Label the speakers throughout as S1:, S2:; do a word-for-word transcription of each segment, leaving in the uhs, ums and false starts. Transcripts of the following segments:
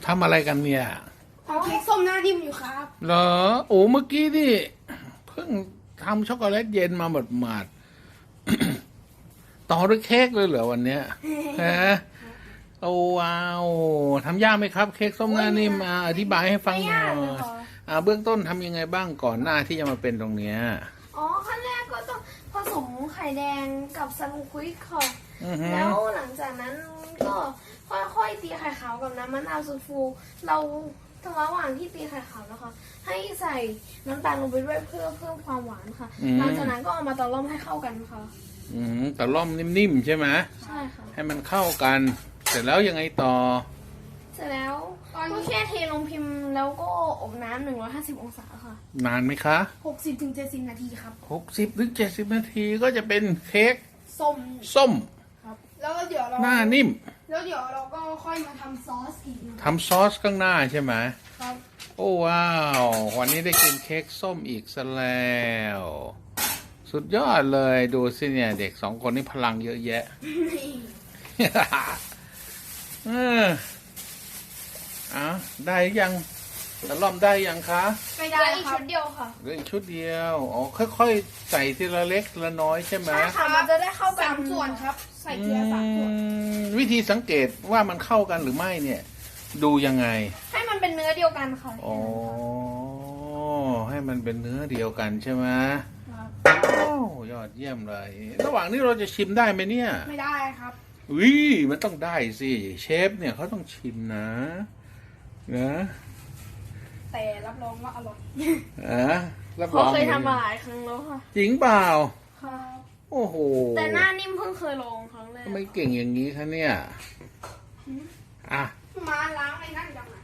S1: ทำอะไรกันเนี่ย
S2: ทำเค้กส้มหน้านิ่มอยู่ครับ
S1: เหรอโอ้เมื่อกี้นี่เพิ่งทำช็อกโกแลตเย็นมาหมดหมาดต่อด้วยเค้กเลยเหรอวันเนี้ยฮะโอ้ว้าวทำยากไหมครับ เค้กส้มหน้านิ่มอ่าอธิบายให้ฟังหน่อยอ่าเบื้องต้นทำยังไงบ้างก่อนหน้าที่จะมาเป็นตรงเนี้ย
S2: อ๋อขั้นแรกก็ต้องผสมไข่แดงกับซันควิกค่ะแล้วหลังจากนั้นก็ค่อยๆตีไข่ขาวกับน้ำมะนาวสูตรฟูเราระหว่างที่ตีไข่ขาวนะคะให้ใส่น้ำตาลลงไปด้วยเพื่อเพิ่มความหวานค่ะหลังจากนั้นก็เอามาตะล่อมให้เข้ากันค่ะ
S1: อืมตะล่อมนิ่มๆใช่ไหม
S2: ใช่ค่ะ
S1: ให้มันเข้ากันเสร็จแล้วยังไงต่อ
S2: เสร็จแล้วก็แค่เทลงพิมพ์แล้วก็อบน้ำหนึ่งร้อยห้าสิบองศาค่ะ
S1: นานไหมคะ
S2: หกสิบถึงเจ็ดสิบนาทีครับ
S1: หกสิบถึงเจ็ดสิบนาทีก็จะเป็นเค้ก
S2: ส้ม
S1: ส้ม
S2: ครับแล้วเดี๋ยวเรา
S1: หน้านิ่ม
S2: แล้วเดี๋ยวเราก็ค่อยมาทำซอสอีก
S1: ทำซอสข้างหน้าใช่ไหม
S2: ครับ
S1: โอ้ว้าววันนี้ได้กินเค้กส้มอีกซะแล้วสุดยอดเลยดูสิเนี่ยเด็กสองคนนี้พลังเยอะแยะเอออ่ะได้ยังตะล่อมได้ยังคะ
S2: ไม่ได้อีกชุดเดียวค่ะ
S1: เหลืออีกชุดเดียวอ๋อค่อยๆใส่ทีละเล็กทีละน้อยใช่ไหม
S2: ใช่ค่ะมันจะได้เข้ากันสามส่วนครับใส่ทีละสามส่วน
S1: วิธีสังเกตว่ามันเข้ากันหรือไม่เนี่ยดูยังไง
S2: ให้มันเป็นเนื้อเดียวกันค่ะ
S1: อ๋อให้มันเป็นเนื้อเดียวกันใช่ไหมโอ้ยอดเยี่ยมเลยระหว่างนี้เราจะชิมได้ไหมเนี่ย
S2: ไม่ได้ครับ
S1: วิมันต้องได้สิเชฟเนี่ยเขาต้องชิมนะนะ
S2: แต่รับรองว่าอร่อย
S1: อ่ะรับรอง
S2: เขาเคยทำมาหลายครั้งแล้วค่ะ
S1: จริงเปล่า
S2: ครับ
S1: โอ้โห
S2: แต่หน้านิ่มเพิ่งเคยลองครั้งแรก
S1: ทำไมเก่งอย่างนี้คะเนี่ยอ่ะ
S2: มาล้างไอ้นั่นจังอ่ะ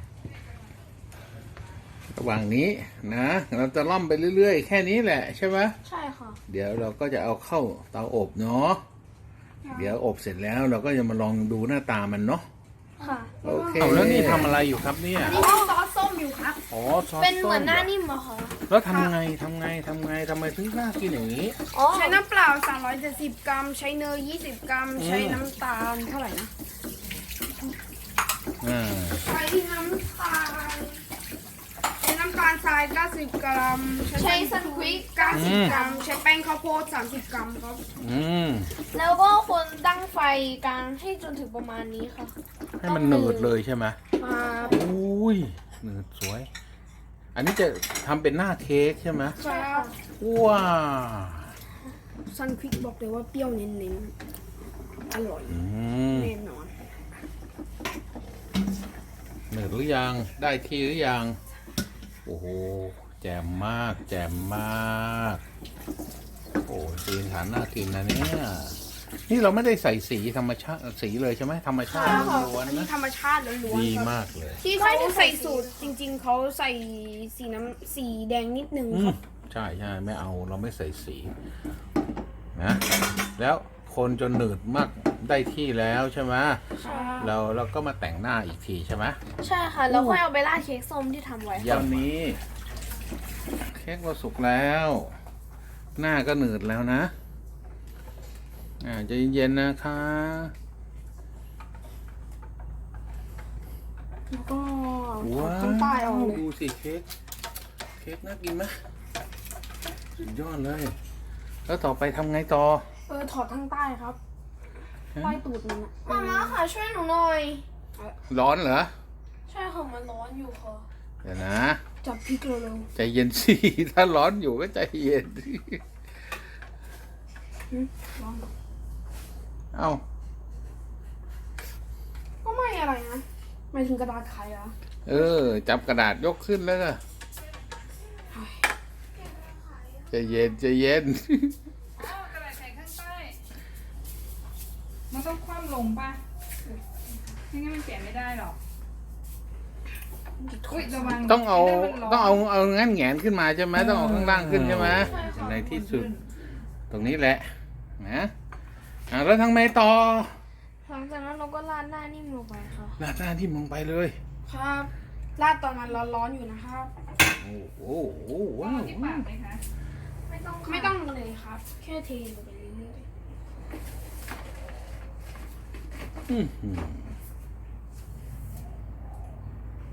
S1: ระหว่างนี้นะเราจะล่อมไปเรื่อยๆแค่นี้แหละใช่ไหม
S2: ใช่ค่ะ
S1: เดี๋ยวเราก็จะเอาเข้าเตาอบเนาะเดี๋ยวอบเสร็จแล้วเราก็จะมาลองดูหน้าตามันเนาะ
S2: ค่ะ
S1: โอเคแล้วนี่ทำอะไรอยู่ครับเนี่ย
S2: นี่ซอสส้มอยู่ครับ
S1: อ๋อซอส
S2: เป็นเหมือนหน้านิ่มอะค่ะ
S1: แล้วทำไงทำไงทำไงทำไมถึงน่ากินอย่างนี้
S2: ใช้น้ำเปล่าสามร้อยเจ็ดสิบกรัมใช้เนยยี่สิบกรัมใช้น้ำตาลเท่าไหร่นะ
S1: อ่า
S2: ใช้น้ำตาลใช้น้ำตาลทรายเก้าสิบกรัมใช้ซันควิกเก้าสิบกรัมใช้แป้งข้าวโพดสามสิบกรัมครับ
S1: อืม
S2: แล้วก็คนตั้งไฟกลางให้จนถึงประมาณนี้ค่ะ
S1: ให้มันหนืดเลยใช่ไหม
S2: ครับ
S1: อุ้ยหนืดสวยอันนี้จะทำเป็นหน้าเค้กใช่ไหม
S2: ใช่ค่ะ
S1: ว้า
S2: ซันควิกบอกเลยว่าเปรี้ยวเน้นๆอร่อยแน่นอน
S1: หนืดหรือยังได้ที่หรือยังโอ้โหแจ่มมากแจ่มมากโอ้สีสันน่ากินนะเนี่ยนี่เราไม่ได้ใส่สีธรรมชาติสีเลยใช่ไหมธรรมชาติล้วนนะ
S2: ธรรมชาติล้วน
S1: ดีมากเลย
S2: ที่เขาใส่สูตรจริงๆเขาใส่สีน้ำสีแดงนิดนึงครับ
S1: ใช่ใช่ไม่เอาเราไม่ใส่สีนะแล้วคนจนหนืดมากได้ที่แล้วใช่ไหมเราเราก็มาแต่งหน้าอีกทีใช่ไหม
S2: ใช่ค่ะแล้วค่อยเอาไปราดเค้กส้มที่ทำไว้
S1: อย่างนี้เค้กเราสุกแล้ว หน้าก็หนืดแล้วนะอ่าใจเย็นๆนะคะ
S2: แล้วก็
S1: ว้าวดูสิเค้กเค้กน่ากินไหมสุดยอดเลยแล้วต่อไปทำไงต่อ
S2: เออถอดทั้งใต้ครับใต้ตูดมันมาม่าค่ะช่วยหนูหน่อย
S1: ร้อนเหรอ
S2: ใช่ค่ะมันร้อนอยู่ค่ะ
S1: เดี๋ยวนะ
S2: จับพริกเร็ว
S1: ๆใจเย็นสิถ้าร้อนอยู่ก็ใจเย็นเอ้า
S2: ก็ไม่อะไรนะไม่ถึงกระดาษไขอะ
S1: เออจับกระดาษยกขึ้นแล้วก็ใจเย็นใจเย็น
S3: กระดาษไขข้างใต้มันต้องคว่ำลงป่ะไม่งั้นมันเปลี่ยนไม่ได้หรอก
S1: ต้องเอาต้องเอาเอางั้นแงนขึ้นมาใช่ไหมต้องเอาข้างล่างขึ้นใช่ไหมในที่สุดตรงนี้แหละนะแล้วทางไหนต่อ
S2: หลังจากนั้นเราก็ราดหน้านิ่มลงไปค่ะ
S1: ราดหน้านิ่มลงไปเลย
S2: ครับราดตอนมันร้อนๆอยู่นะครับ
S1: โอ้โหว้าว
S3: ที่ปากไหมคะ
S2: ไม่ต้องไม่ต้องเลยครับแค่เทลงไปเรื่อย
S1: ๆอืม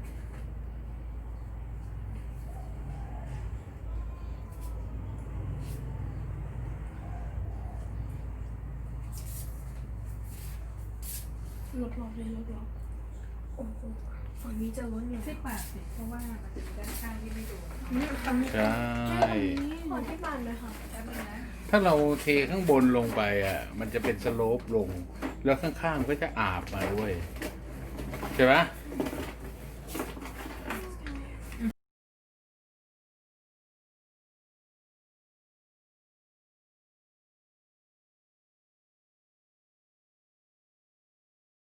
S2: ลดหลอกเลยลดหลอกโอ้โหฝั่งนี้จะล้นอยู่
S3: สิบบาทสิเพราะว่ามันจะมีด้านข้างที่ไม่โดน
S2: ฝั่งนี้
S1: ใช่
S2: ขอที่บ้านเลยค่ะ
S3: แป๊บนึงนะ
S1: ถ้าเราเทข้างบนลงไปอ่ะ มันจะเป็นสโลปลง แล้วข้างๆก็จะอาบมาด้วย ใช่ไหม
S2: ใ